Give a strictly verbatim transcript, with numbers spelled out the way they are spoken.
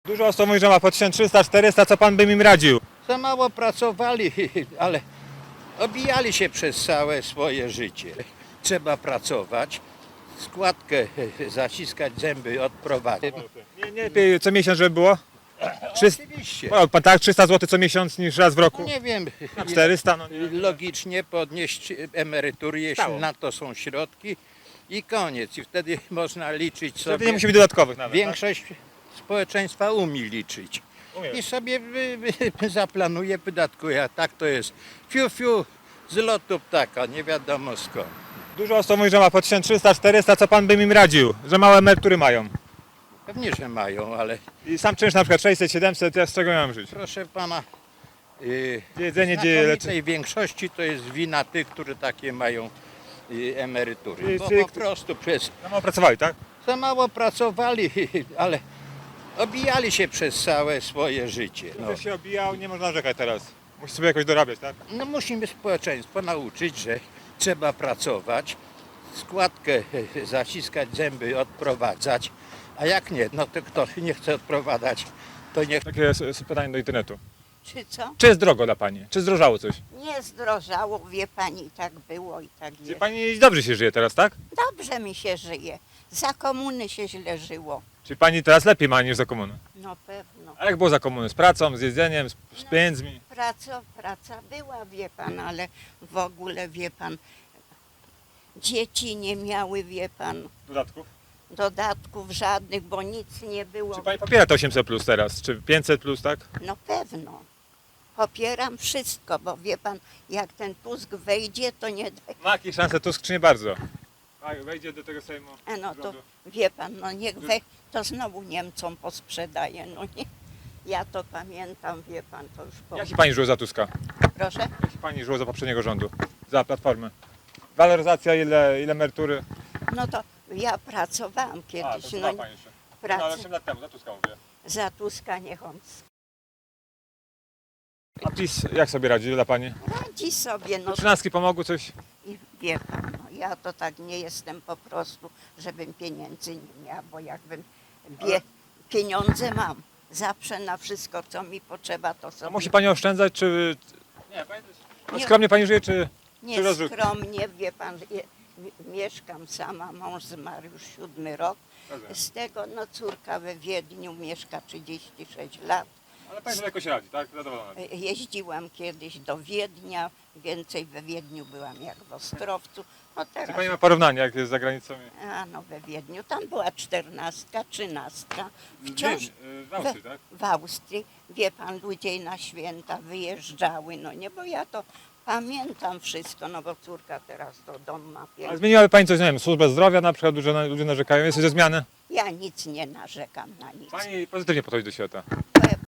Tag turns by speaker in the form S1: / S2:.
S1: Dużo osób mówi, że ma po tysiąc trzysta czterysta, co pan by im radził?
S2: Za mało pracowali, ale obijali się przez całe swoje życie. Trzeba pracować, składkę zaciskać, zęby odprowadzić.
S1: Nie, nie lepiej co miesiąc, żeby było? trzysta,
S2: Oczywiście.
S1: wolał pan tak, trzysta złotych co miesiąc niż raz w roku?
S2: No nie wiem,
S1: Na czterysta, no nie.
S2: logicznie podnieść emerytury, jeśli
S1: Stało.
S2: na to są środki i koniec. I wtedy można liczyć
S1: Wtedy
S2: sobie.
S1: nie musi być dodatkowych nawet,
S2: Większość społeczeństwa umie liczyć.
S1: tak? Umiem.
S2: I sobie wy, wy, zaplanuje, wydatkuje. A tak to jest fiu fiu z lotu ptaka, nie wiadomo skąd.
S1: Dużo osób mówi, że ma po tysiąc trzysta czterysta, co pan by im radził? Że małe emerytury mają.
S2: Pewnie, że mają, ale
S1: I sam czynsz na przykład sześćset siedemset, ja z czego miałem żyć?
S2: proszę pana, yy,
S1: Gdzie jedzenie, gdzie
S2: w
S1: leczenie?
S2: znakomitej większości to jest wina tych, którzy takie mają yy, emerytury.
S1: Czyli
S2: Bo
S1: ty-
S2: po prostu przez
S1: No mało pracowali, tak?
S2: za mało pracowali, ale obijali się przez całe swoje życie. No.
S1: Ktoś się obijał, nie można narzekać teraz. Musi sobie jakoś dorabiać, tak?
S2: No musimy społeczeństwo nauczyć, że trzeba pracować, składkę zaciskać, zęby odprowadzać, a jak nie, no to kto nie chce odprowadzać, to niech...
S1: Takie jest, jest pytanie do internetu.
S3: Czy co?
S1: Czy jest drogo dla pani? Czy zdrożało coś?
S3: Nie zdrożało, wie pani, tak było i tak
S1: Wie
S3: jest.
S1: pani dobrze się żyje teraz, tak?
S3: Dobrze mi się żyje. Za komuny się źle żyło.
S1: Czy pani teraz lepiej ma niż za komuny?
S3: No pewno.
S1: A jak było za komuny? Z pracą, z jedzeniem, z, z pieniędzmi?
S3: Praca, praca była, wie pan, ale w ogóle, wie pan, dzieci nie miały, wie pan,
S1: Dodatków?
S3: dodatków żadnych, bo nic nie było.
S1: Czy pani popiera to osiemset plus teraz? Czy pięćset plus, tak?
S3: No pewno. Popieram wszystko, bo wie pan, jak ten Tusk wejdzie, to nie da.
S1: Ma jakieś szanse Tusk, czy nie bardzo? Tak, wejdzie do tego Sejmu.
S3: E, No to
S1: rządu.
S3: wie pan, no niech we, to znowu Niemcom posprzedaje, no nie. Ja to pamiętam, wie pan, to już po...
S1: Jak się pani żyło za Tuska?
S3: Proszę?
S1: Jak się pani żyło za poprzedniego rządu? Za Platformę? Waloryzacja, ile, ile emerytury?
S3: No to ja pracowałam
S1: A, to
S3: kiedyś,
S1: chyba
S3: no
S1: pani jeszcze.
S3: pracy
S1: No, ale osiem lat temu, za Tuska mówię.
S3: za Tuska niech on
S1: A PiS jak sobie radzi dla pani?
S3: radzi sobie, no
S1: Trzynastki pomogły coś?
S3: i wie pan, no ja to tak nie jestem po prostu, żebym pieniędzy nie miała, bo jakbym bie, pieniądze mam, zawsze na wszystko, co mi potrzeba, to
S1: A
S3: sobie...
S1: musi pani oszczędzać, czy... Nie, pani...
S3: Nie.
S1: Skromnie pani żyje, czy... czy
S3: Nie
S1: rozrzut?
S3: skromnie, wie pan, je, mi- mieszkam sama, mąż zmarł już siódmy rok.
S1: Rozumiem.
S3: Z tego no córka we Wiedniu mieszka trzydzieści sześć lat.
S1: Ale pani sobie jakoś radzi, tak? Zadowolona.
S3: E, Jeździłam kiedyś do Wiednia, więcej we Wiedniu byłam jak w Ostrowcu. No
S1: Czy
S3: teraz,
S1: pani ma porównanie, jak jest za granicą?
S3: a no we Wiedniu, tam była czternastka, trzynastka.
S1: W
S3: Wciąż
S1: Wiedniu, y, w Austrii, tak?
S3: w Austrii, wie pan, ludzie na święta wyjeżdżały, no nie, bo ja to pamiętam wszystko, no bo córka teraz to dom ma
S1: A
S3: piękny.
S1: zmieniłaby pani coś, nie wiem, służbę zdrowia na przykład, ludzie, ludzie narzekają, jest coś ze zmiany?
S3: Ja nic nie narzekam na nic.
S1: Pani pozytywnie podchodzi do świata.
S3: Pe-